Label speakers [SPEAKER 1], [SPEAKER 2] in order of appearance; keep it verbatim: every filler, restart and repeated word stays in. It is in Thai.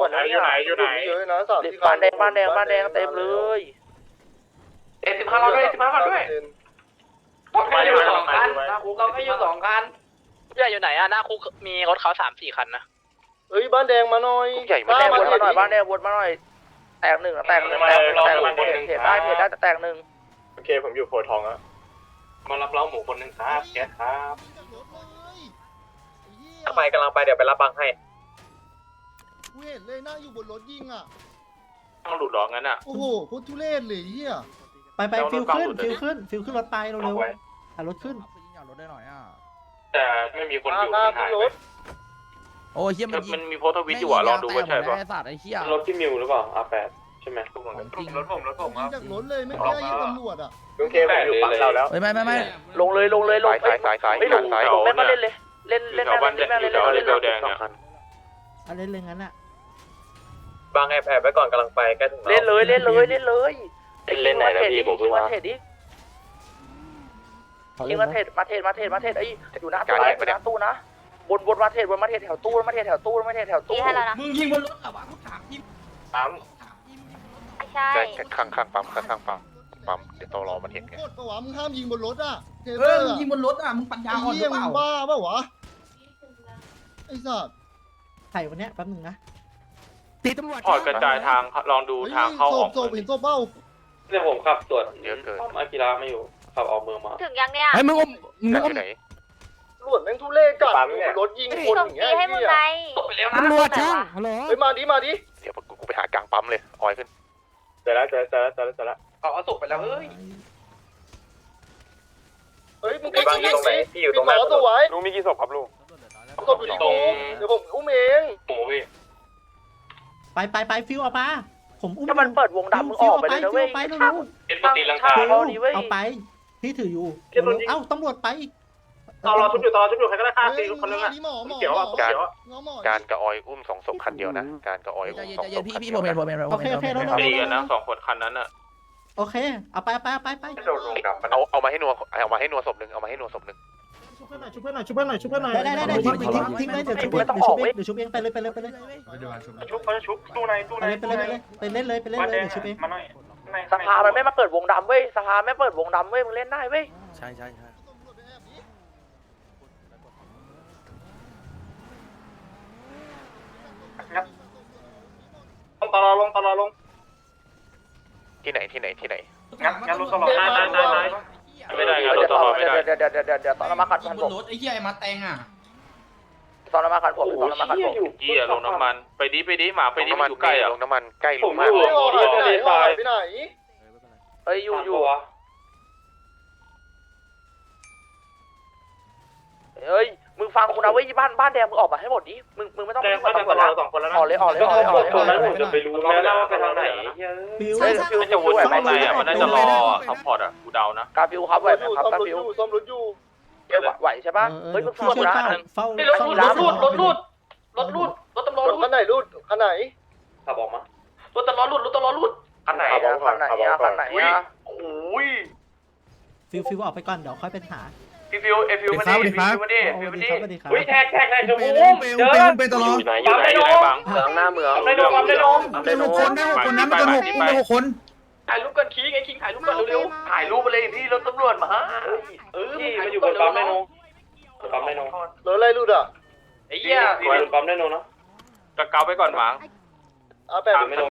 [SPEAKER 1] มดแล้วอยู่ไหนอยู่ไหนเยอะนะสามที่บ้านแดงบ้านแดงบ้านแดงเต็มเลยเอสิบห้าเราด้วยสิบห้าเราด้วยเราแค่อยู่สองคันเราแค่อยู่สองคันใหญ่อยู่ไหนอะหน้าคุกมีรถเขาสามสี่คันนะเฮ้ยบ้านแดงมาหน่อยใหญ่บ้านแดงวนมาหน่อยบ้านแดงวนมาหน่อยแตกหนึ่งแตกหนึ่งแตกหนึ่งแตกหนึ่งเพจได้เพจได้แตกหนึ่งโอเคผมอยู่โพทองอะมารับเล้าหมูคนหนึ่งครับแกครับกำลังไปกำลังไปเดี๋ยวไปรับบังให้
[SPEAKER 2] กูเห็นเลยนั่งอยู่บนรถยิงอ่ะ
[SPEAKER 1] ต้องหลุดหรองั้นอ่ะ
[SPEAKER 2] โอ้โหโคตรทุเรศเลยเฮีย
[SPEAKER 3] ไปไปฟิลขึ้นฟิลขึ้นฟิลขึ้นรถไปเร็วๆหารถขึ้น
[SPEAKER 4] ยิงรถได้หน่อยอ่ะ
[SPEAKER 1] แต่ไม่มีคนอยู่ที่หายไป
[SPEAKER 4] โอ้ยเฮียมัน
[SPEAKER 1] มันมีโพสต์ทวิตอยู่อ่ะลองดูว่าใช่ป่ะ
[SPEAKER 4] ไอ้สัตว์ไอ้เฮีย
[SPEAKER 1] รถที่มิวหรือเปล่า อาร์ แปด ใช่ไหมรถผมรถผมรถผมครับ
[SPEAKER 2] จากรถเลยไม่ได้ยิงตำรวจอ่ะ
[SPEAKER 1] โอเคผมอยู่ฝั่งเราแล้ว
[SPEAKER 4] ไม่ไม่ไม่
[SPEAKER 5] ลงเลยลงเลยลงสายสายสายไม่ลงลงแม่ก็เล่นเลยเล่นเล่นแม่เล่นแม่เล่นเล่นเล่นแดงเนี่ย
[SPEAKER 3] อะไรเล่นงั้นอ่ะ
[SPEAKER 1] บางแอบแอบไว้ก่อนกำลังไปใกล้ถึง
[SPEAKER 5] เล่นเลยเล่นเลยเล่นเลยเล่นไหนนะพี่ผมเพิ่งมาเทรดดิยิงมาเทรดมาเทรดมาเทรดมาเทรดไอ้อยู่หน้าตู้นะหน้าตู้นะบนบนมาเทรดบนมาเทรดแถวตู้มาเทรดแถวตู้มาเทรดแถวตู้
[SPEAKER 4] มึงยิงบนรถเหรอวะกูถามพี่
[SPEAKER 1] ปั๊ม
[SPEAKER 6] ใช่
[SPEAKER 5] ข้างข้างปั๊มข้างปั๊มปั๊มเดี๋ยวต้องรอมันเห็นไง
[SPEAKER 2] โคตรประวัติมึงห้ามยิงบนรถอ่ะ
[SPEAKER 4] เออมึงยิงบนรถอ่ะมึงปัญญาอ่อนหรือเปล่า
[SPEAKER 2] บ้าเปล่าวะไอ้สัตว์
[SPEAKER 3] ไข่วันเนี้ยแป๊บนึงนะ
[SPEAKER 4] ตีตำรวจ
[SPEAKER 1] พอดกระจายทางลองดูทางเข้าออก
[SPEAKER 2] โซบเห็นโซบเบ้า
[SPEAKER 1] เนี่ยผมขับตรวจเยอะเกินอากิระไม่อยู่ขับออกเมืองมา
[SPEAKER 6] ถึงยังเนี่ย
[SPEAKER 4] ไอ้มึงอมมึงอม
[SPEAKER 5] ที่ไหน
[SPEAKER 2] ตำรวจแม่งทุเรศจัดรถยิงคนอย่างเงี้ย
[SPEAKER 6] ให้มึงไง
[SPEAKER 4] ตำรวจช่างฮัลโหล
[SPEAKER 2] เฮ้ยมาดิมาดิ
[SPEAKER 5] เดี๋ยวกูไปหากลางปั๊มเลยออยขึ้น
[SPEAKER 1] เจอแล้วเจอแล้วเจอแล้วเจอแล้วเอาเอาศพไปแล้วเฮ้ยเฮ้ยมึงไปบังอยู่ตรงไหนพี่อยู่ตรงไหนตัวไว้ลุงมีกี่ศพครับลุงศพอยู่ที่กูเดี๋ยวผมอุ้มเองโอ้ย
[SPEAKER 3] ไปไปไปฟิลเอามาผมอุ้ม
[SPEAKER 5] ถ้ามันเปิดวงดำมึงออกไปเลยนะเว้ย
[SPEAKER 3] ไปเร็ว
[SPEAKER 1] เอ็นปตีลังกา
[SPEAKER 3] เอาไปพี่ถืออยู่เอ้าตำรวจไป
[SPEAKER 1] ตอนรอชุบอยู่ตอนรอชุบอยู่ใครก็ได้ฆ่าตีคนนึงอ่ะ
[SPEAKER 2] หมอหมอ
[SPEAKER 1] เขียวอ่ะเขียวอ่ะ
[SPEAKER 5] การกระออยอุ้มสองศพคันเดียวนะการกระออย
[SPEAKER 4] ใจ
[SPEAKER 5] อุ้ม
[SPEAKER 4] เย็น
[SPEAKER 5] สอ
[SPEAKER 4] ใจ
[SPEAKER 5] งศ
[SPEAKER 4] เย็น
[SPEAKER 5] พ
[SPEAKER 4] พี่
[SPEAKER 5] คัน
[SPEAKER 4] พี่
[SPEAKER 5] เดี
[SPEAKER 4] ผ
[SPEAKER 5] ยว
[SPEAKER 4] มเห็นผมเห็นผมเห็น
[SPEAKER 1] ตีกันนะสองคนคันนั้นอ่ะ
[SPEAKER 3] โอเคเอาไปไปไปไป
[SPEAKER 5] เอาเอามาให้นัวเอามาให้นัวศพหนึ่งเอามาให้นัวศพหนึ่ง
[SPEAKER 2] ชุบเพื่อนหน่อยชุบเพื่อนหน่อยชุบเพื่อนหน่อยชุบเพื่อนหน่อย
[SPEAKER 3] ได้ได้ได้ทิ้งทิ้งทิ้งเลยเดี๋ยวชุบเองเดี๋ยวชุบเองเดี๋ยวชุบเองไปเลยไปเลยไปเลย
[SPEAKER 1] ชุบเขาจะชุบตู้ในตู้
[SPEAKER 3] ไป
[SPEAKER 1] ใน
[SPEAKER 3] เลยไปเลยไปเล่นเลยไปเล่นเลยเดี๋ยวชุบเอง
[SPEAKER 1] มาหน่อย
[SPEAKER 5] สภามันไม่มาเปิดวงดำเว้ยสภาไม่เปิดวงดำเว้ยมึงเล่นได้เว้ย
[SPEAKER 4] ใช่ใช่ใช่
[SPEAKER 1] ลงตลอดลงตลอดลง
[SPEAKER 5] ที่ไหนที่ไหนที่ไหน
[SPEAKER 1] งั้นงั้นลงตลอดได้ได้ได้ไม่ได้งั้นลงตลอดไม่ได้
[SPEAKER 5] เดี๋ยวเดี๋ยวเดี๋ยวเดี๋ยวเดี๋ยวตอนน้ำมันขัดพันผม
[SPEAKER 4] รถไอ้เหี้ยไอ้มาแตงอ่ะ
[SPEAKER 5] ตอนน้ำมันขัดผมตอนน้ำมันขัดผม
[SPEAKER 1] เหี้ยลงน้ำมันไปดิไปดิหมาไปดิ
[SPEAKER 5] น้ำมัน
[SPEAKER 1] อยู่ใกล้อ่ะ
[SPEAKER 5] ลงน้ำมันใกล้ล
[SPEAKER 1] ผ
[SPEAKER 5] ง
[SPEAKER 1] ม
[SPEAKER 5] มาก
[SPEAKER 1] อยู่ทะเลทรายไปไหน
[SPEAKER 5] เอ้ยอยู่อยู่เอ้ยมึงฟังกูนะเว้ยบ้านบ้านแดงมึงออกมาให้หมดดิมึงมึงไม่ต้อง
[SPEAKER 1] แดง
[SPEAKER 5] มา
[SPEAKER 1] บ้านแดงตลอดสองคนแล้วนะ
[SPEAKER 5] ออกเลยออกเลยออกเลยออกเลย
[SPEAKER 1] ตอนนั้นผมจะไปรู้แล้วนะว่าไปทางไหน
[SPEAKER 3] ฟิว
[SPEAKER 5] เฮ้ยฟิว
[SPEAKER 1] มันจะวนไปไหนอ่ะมันน่าจะรอซัพพอร์ตอ่ะกูเดานะ
[SPEAKER 5] กาฟิวครับไหวไหมครับกาฟิว
[SPEAKER 2] ซ่อมรถอยู่
[SPEAKER 5] ไหวใช่ปะเฮ้ยมึงฟังกูนะ
[SPEAKER 3] เฝ้าร
[SPEAKER 5] ถรูดรถรูดรถรูดรถรูดรถตำรวจ
[SPEAKER 2] รถคันไหนรูดคันไหน
[SPEAKER 1] ขับออกมาร
[SPEAKER 5] ถตำรวจรูดรถตำรวจรูดคันไหนอะคันไหนอะคันไหนอะโอ้ย
[SPEAKER 3] ฟิวฟิวออกไปก่อนเดี๋ยวค่อยเป็นหา
[SPEAKER 1] พี่ฟิวเอฟิวมาดิฟิวมาดิฟิวมาดิ
[SPEAKER 3] สวัสดีครับ
[SPEAKER 1] อุ้ยแท็กแท็กแท็กชมพูเจอ
[SPEAKER 4] เป็นตลอด
[SPEAKER 1] อยู่ไหนอยู่ไหนอยู่ไหนบัง
[SPEAKER 5] เมืองหน้าเมือง
[SPEAKER 1] ได้นมได้นม
[SPEAKER 4] เป็นหกคนได้หกคนนะมันเป็นหกเป็นหกคน
[SPEAKER 5] ถ่ายรูปกันคิงไอ้คิงถ่ายรูปกันเร็วๆถ่ายรูปไปเลยที่รถตำรวจมาเออ
[SPEAKER 1] ที่มันอยู่บนปั๊มได้นมปั๊มได้นม
[SPEAKER 2] รถอะไรรูดอ่ะ
[SPEAKER 5] ไอ้เหี้ย
[SPEAKER 1] อยู่บนปั๊มได้นมเนาะกะเกาไปก่อนหวัง
[SPEAKER 2] อาแปด
[SPEAKER 1] ไม่นม